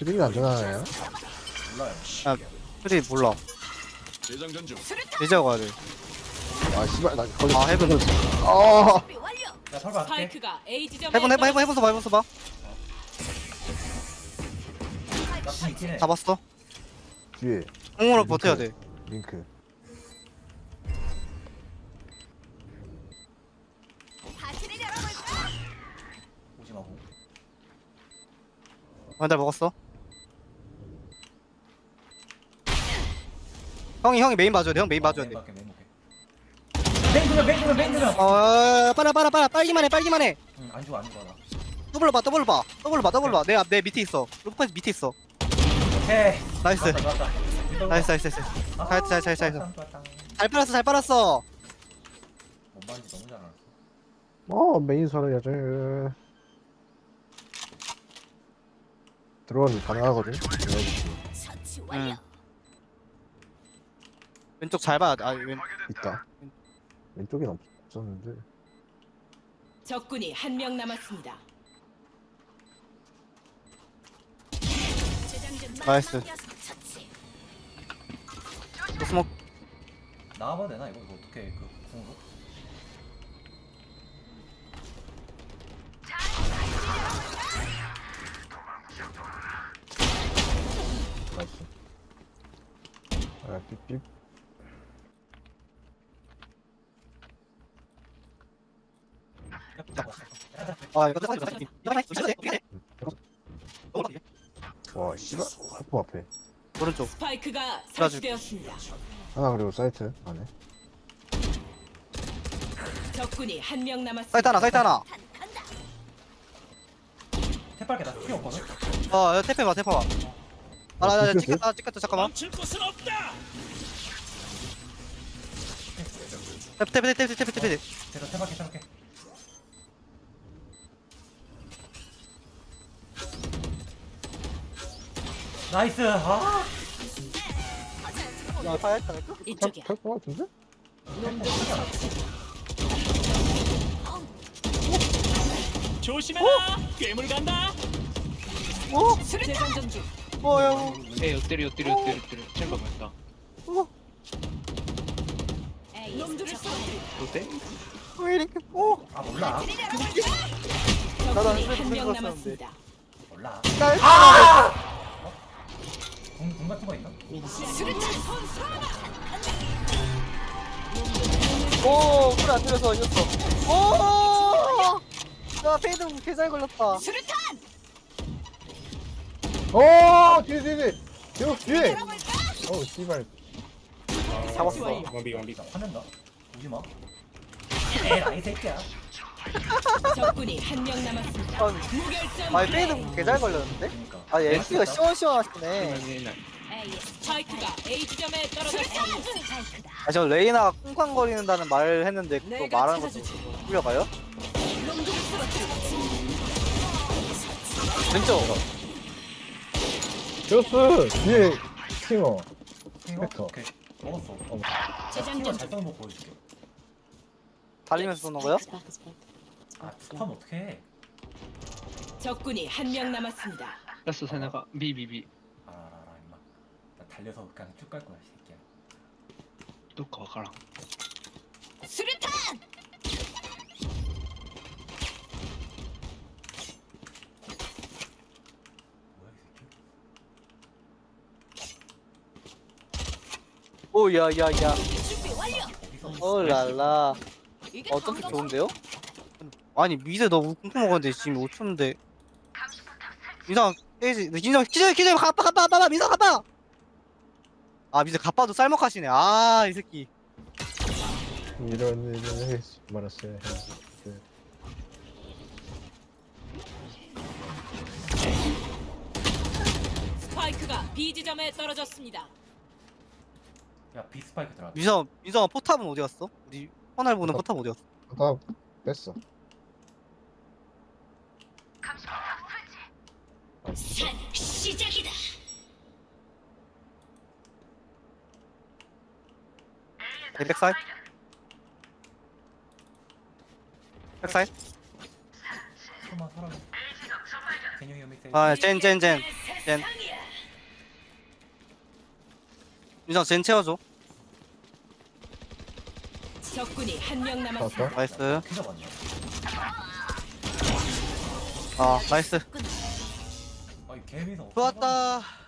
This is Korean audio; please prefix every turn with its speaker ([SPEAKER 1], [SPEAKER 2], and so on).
[SPEAKER 1] 트릭이 안전하나요?
[SPEAKER 2] 몰라요.
[SPEAKER 3] 야 프리 몰라
[SPEAKER 4] 재장전 중.
[SPEAKER 3] 이제 가야 돼.
[SPEAKER 1] 아 씨발 나 걸려.
[SPEAKER 3] 아 해븐
[SPEAKER 1] 아
[SPEAKER 2] 야 설마 할게.
[SPEAKER 5] 스파이크가 A 지점에
[SPEAKER 3] 해븐 써봐
[SPEAKER 2] 나쁜 있긴 해.
[SPEAKER 3] 잡았어.
[SPEAKER 1] 뒤에
[SPEAKER 3] 공으로 버텨야 돼.
[SPEAKER 1] 링크.
[SPEAKER 2] 오지 마고.
[SPEAKER 3] 완달 먹었어. 형이 메인 봐줘야 돼. 형 메인 봐줘야 돼.
[SPEAKER 2] 맹그면.
[SPEAKER 3] 빨아 빨기만 해.
[SPEAKER 2] 응, 안 죽어 안 죽어 나.
[SPEAKER 3] 더블 봐. 내 밑에 있어. 루프까지 밑에 있어.
[SPEAKER 2] 오케이.
[SPEAKER 3] 나이스.
[SPEAKER 2] 좋았다.
[SPEAKER 3] 나이스.
[SPEAKER 2] 아,
[SPEAKER 3] 잘.
[SPEAKER 2] 좋았다.
[SPEAKER 3] 잘 빨았어.
[SPEAKER 2] 못 봤는지 너무 잘 알았어.
[SPEAKER 1] 메인 살아야지. 들어가면 가능하거든.
[SPEAKER 3] 응. 왼쪽 잘 봐.
[SPEAKER 1] 있다. 왼쪽엔 없었는데.
[SPEAKER 5] 적군이 한 명 남았습니다.
[SPEAKER 3] 나이스. 스모크.
[SPEAKER 2] 나와봐도 되나 이거 어떻게 그 궁으로?
[SPEAKER 1] 나이스. 아 삐삐. 와 씨발 학부 앞에
[SPEAKER 3] 오른쪽.
[SPEAKER 5] 스파이크가 설치되었습니다.
[SPEAKER 1] 하나 그리고 사이트 안에.
[SPEAKER 5] 적군이 한 명 남았습니다.
[SPEAKER 3] 사이트 하나.
[SPEAKER 2] 태빨게 나 필요 없거든.
[SPEAKER 3] 태페 봐. 나 찍혔다. 잠깐만.
[SPEAKER 4] 멈출 곳은 없다.
[SPEAKER 3] 태페.
[SPEAKER 2] 제가 태빨게. 나이스. 아.
[SPEAKER 3] 야, 파야했다.
[SPEAKER 5] 이쪽이야.
[SPEAKER 1] 탈것 같은데?
[SPEAKER 4] 조심해라. 괴물 간다.
[SPEAKER 5] 재장전 중.
[SPEAKER 3] 야.
[SPEAKER 6] 엎드려 챔버 맞다.
[SPEAKER 5] 놈들을 쏘아들이.
[SPEAKER 6] 어때?
[SPEAKER 3] 왜 이렇게?
[SPEAKER 2] 아 몰라.
[SPEAKER 5] 적군이 한 명 남았습니다.
[SPEAKER 2] 몰라.
[SPEAKER 3] 아!
[SPEAKER 2] 궁 같은 거 있나?
[SPEAKER 3] 오, 불안 들어서 이겼어. 오! 야, 페이드 개잘 걸렸다.
[SPEAKER 1] 뒤에 계속 뒤에. 씨발.
[SPEAKER 3] 잡았어.
[SPEAKER 2] 나 화낸다. 오지 마. 에라이 새끼야.
[SPEAKER 5] 적군이 한 명 남았습니다. 무결점.
[SPEAKER 3] 아, 페이드 개잘 걸렸는데?
[SPEAKER 2] 그러니까.
[SPEAKER 3] 아, NC가 시원시원하시네.
[SPEAKER 5] 스파이크가 A 지점에 떨어졌습니다.
[SPEAKER 3] 아, 저 레이나가 쿵쾅거리는다는 말을 했는데 또 말하는 것도 풀려가요? 왼쪽.
[SPEAKER 1] 제우스 뒤에 킹어.
[SPEAKER 2] 이거?
[SPEAKER 1] 벡터.
[SPEAKER 2] 오케이. 먹었어.
[SPEAKER 5] 재장전
[SPEAKER 2] 잘 써는 거 보여줄게.
[SPEAKER 3] 달리면서 쏘는 거요?
[SPEAKER 2] 아 스턴 어떻게 해?
[SPEAKER 5] 적군이 한 명 남았습니다.
[SPEAKER 6] 라스 세나가 비비비
[SPEAKER 2] 알아 임마. 나 달려서 그냥 쭉 갈 거야 이 새끼야.
[SPEAKER 6] 또 가라.
[SPEAKER 5] 수류탄!
[SPEAKER 2] 뭐야 이 새끼?
[SPEAKER 3] 오, 야.
[SPEAKER 5] 준비 완료.
[SPEAKER 2] 어디서?
[SPEAKER 3] 오, 랄라.
[SPEAKER 5] 이게
[SPEAKER 3] 어쩜
[SPEAKER 5] 방금
[SPEAKER 3] 좋은데요? 아니, 미드 너 쿵쿵 먹었는데 지금 5초인데. 민상, 깨지. 기절, 가빠, 민상 가빠! 아, 미드 가빠도 쌀먹하시네. 아, 이 새끼.
[SPEAKER 1] 이런 일을 말았어요.
[SPEAKER 5] 스파이크가 B 지점에 떨어졌습니다.
[SPEAKER 2] 야 비스파이크 들어갔다.
[SPEAKER 3] 민성아 포탑은 어디 갔어? 우리 헌날 보는 포탑 어디 갔어?
[SPEAKER 1] 다 뺐어.
[SPEAKER 5] 시작이다.
[SPEAKER 3] 백사이? 백사이?
[SPEAKER 2] 설마 사람. 개념이 믹스.
[SPEAKER 3] 아, 젠.
[SPEAKER 5] 새
[SPEAKER 3] 젠. 민상 젠 채워줘.
[SPEAKER 5] 적군이 한 명 남았습니다.
[SPEAKER 1] 봤어?
[SPEAKER 3] 나이스.
[SPEAKER 2] 피 잡았네.
[SPEAKER 3] 아 나이스.
[SPEAKER 2] 아이 개미서.
[SPEAKER 3] 좋았다.